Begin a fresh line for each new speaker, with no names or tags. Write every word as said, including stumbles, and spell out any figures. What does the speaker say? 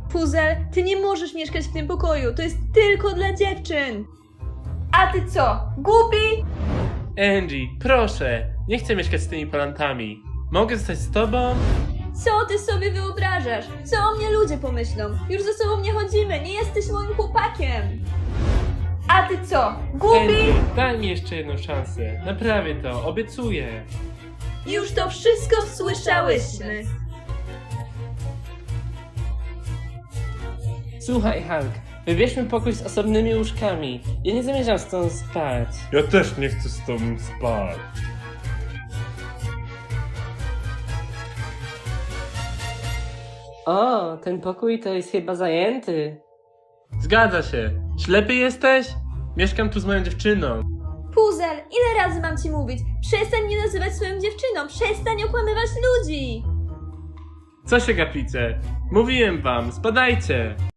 Puzel, ty nie możesz mieszkać w tym pokoju, to jest tylko dla dziewczyn. A ty co, głupi?
Angie, proszę, nie chcę mieszkać z tymi palantami. Mogę zostać z tobą?
Co ty sobie wyobrażasz? Co o mnie ludzie pomyślą? Już ze sobą nie chodzimy, nie jesteś moim chłopakiem. A ty co, głupi?
Angie, daj mi jeszcze jedną szansę. Naprawię to, obiecuję.
Już to wszystko słyszałyśmy.
Słuchaj, Hulk, wybierzmy pokój z osobnymi łóżkami. Ja nie zamierzam stąd spać.
Ja też nie chcę z tobą spać.
O, ten pokój to jest chyba zajęty.
Zgadza się. Ślepy jesteś? Mieszkam tu z moją dziewczyną.
Puzel, ile razy mam ci mówić? Przestań mnie nazywać swoją dziewczyną, przestań okłamywać ludzi.
Co się gapicie? Mówiłem wam, spadajcie.